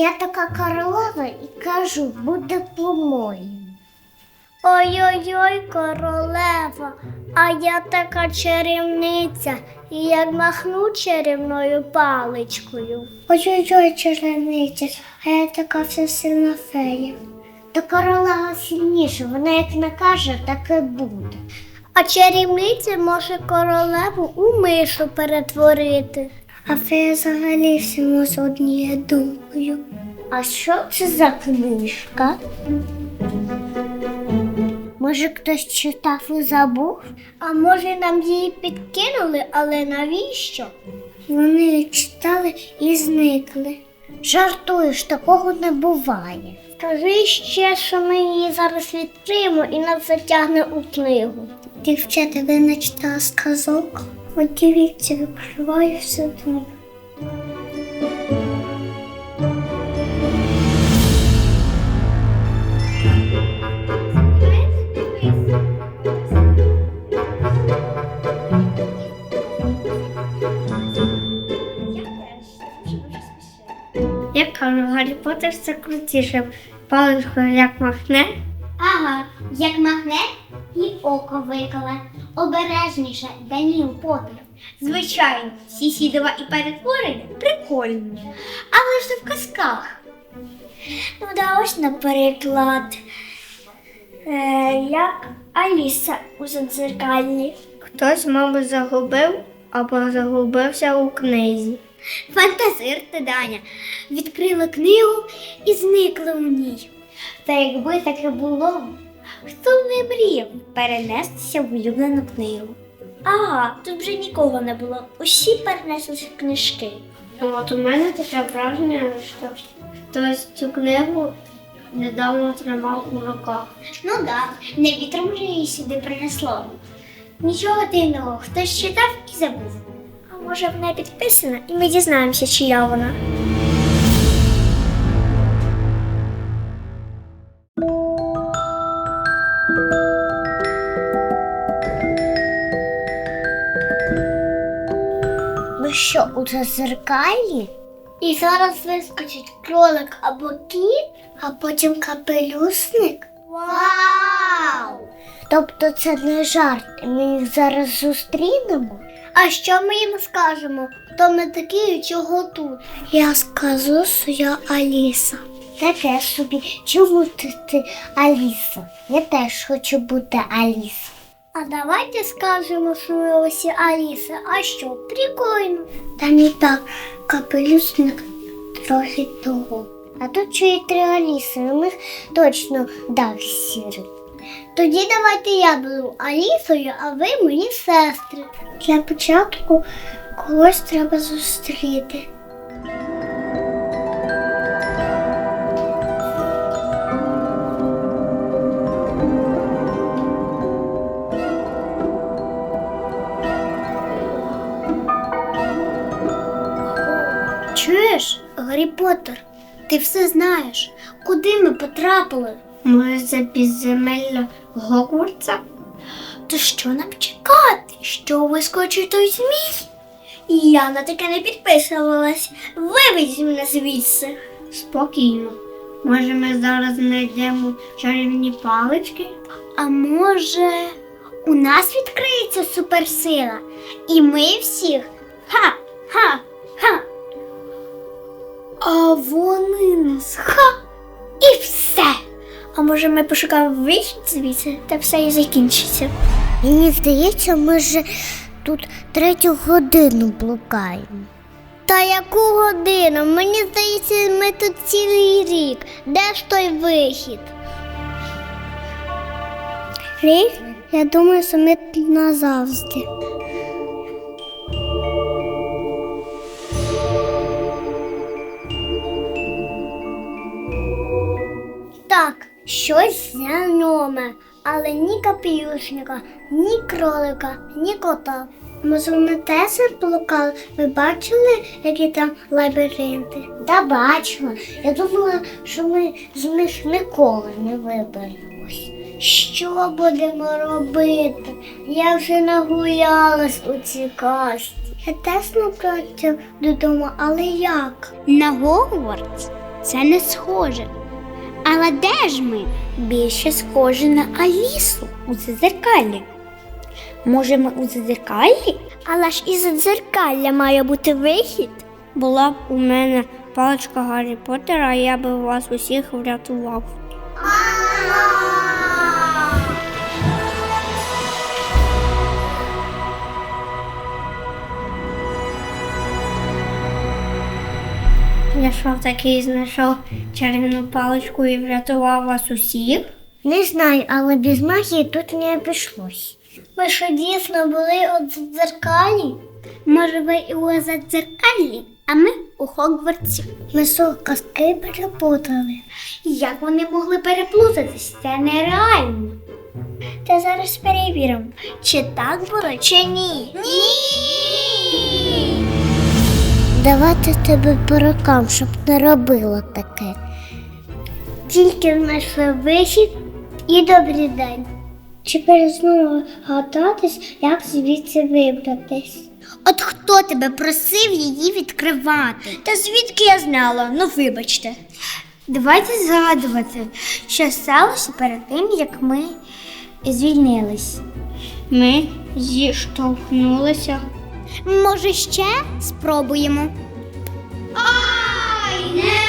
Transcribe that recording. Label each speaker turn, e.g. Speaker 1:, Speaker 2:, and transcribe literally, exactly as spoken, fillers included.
Speaker 1: я така королева і кажу, буде по-моєму. Ой-ой-ой, королева, а я така чарівниця, і як махну чарівною паличкою. Ой-ой-ой, чарівниця, а я така всесильна фея. Та королева сильніша, вона як накаже, так і буде. А чарівниця може королеву у мишу перетворити. А фея взагалі всьому з однією думкою. А що це за книжка? Може, хтось читав і забув? А може, нам її підкинули, але навіщо? Вони її читали і зникли. Жартуєш, такого не буває. Скажи ще, що ми її зараз відкриємо і нас затягне у книгу. Дівчата, ви не читали сказок? От дивіться, відкриваю все тут. Я кажу, Гаррі Поттер це крутіше. Паличку як махне. Ага, як махне і око виколе. Обережніше, Даніл Поттер. Звичайно, Сісідова і перетворення прикольні. Але ж це в казках. Ну да, ось наприклад, е, як Аліса у Задзеркаллі. Хтось, мабуть, загубив або загубився у книзі. Фантазир ти, Даня. Відкрила книгу і зникла у ній. Та якби таке було, хто б не мріяв перенестися в улюблену книгу? Ага, тут вже нікого не було. Усі перенеслися в книжки. От у мене таке враження, що хтось цю книгу недавно тримав у руках. Ну так, да, не вітром вже її сюди принесло. Нічого дивного, хтось читав і забув. А може вона підписана і ми дізнаємося, чия вона. Ви що, у Задзеркаллі? І зараз вискочить кролик або кіт, а потім капелюсник? Вау! Тобто це не жарт, і ми їх зараз зустрінемо? А що ми їм скажемо? Хто ми такі і чого тут? Я скажу, що я Аліса. Таке собі, чому ти, ти Аліса? Я теж хочу бути Аліса. А давайте скажемо, що ми усі Аліси. А що, прикольно. Та не так, капелюсник трохи того. А тут ще й три Аліси, у них точно дах сірий. Тоді давайте я буду Алісою, а ви мої сестри. Для початку когось треба зустріти. Чуєш, Гаррі Поттер, ти все знаєш. Куди ми потрапили? Може, за підземелля Гогвартса? То що нам чекати? Що вискочить той змій? Я на таке не підписувалась. Виведіть мене звідси. Спокійно. Може, ми зараз знайдемо чарівні палички? А може, у нас відкриється суперсила? І ми всіх? Ха-ха-ха! А вони нас ха! І все! А може ми пошукаємо вихід звідси, та все і закінчиться? Мені здається, ми вже тут третю годину блукаємо. Та яку годину? Мені здається, ми тут цілий рік. Де ж той вихід? Рік? Я думаю, що ми тут назавжди. Так, щось знайоме, але ні капелюшника, ні кролика, ні кота. Може, вони теж блукали? Ви бачили, які там лабіринти? Та бачила. Я думала, що ми з них ніколи не виберемось. Що будемо робити? Я вже нагулялась у цій казці. Я теж не хочу додому, але як? На Гогвартс? Це не схоже. Але де ж ми? Більше схоже на Алісу у дзеркалі. Може, ми у дзеркалі? Але ж із дзеркалля має бути вихід. Була б у мене паличка Гаррі Поттера, я би вас усіх врятував. Я що таки знайшов чарівну паличку і врятував вас усіх? Не знаю, але без магії тут не обійшлось. Ви що дійсно були у дзеркалі? Може, ви і у дзеркалі, а ми у Хогвартсі. Ми що, казки переплутали. Як вони могли переплутатись? Це нереально. Та зараз перевіримо, чи так було, чи ні. Ні! Давати тебе по рукам, щоб не робило таке. Тільки знайшли вихід і добрий день. Чи перезнову гадатись, як звідси вибратись? От хто тебе просив її відкривати? Та звідки я знала? Ну вибачте. Давайте згадувати, що сталося перед тим, як ми звільнились. Ми зіштовхнулися. Може, ще спробуємо? Ай, не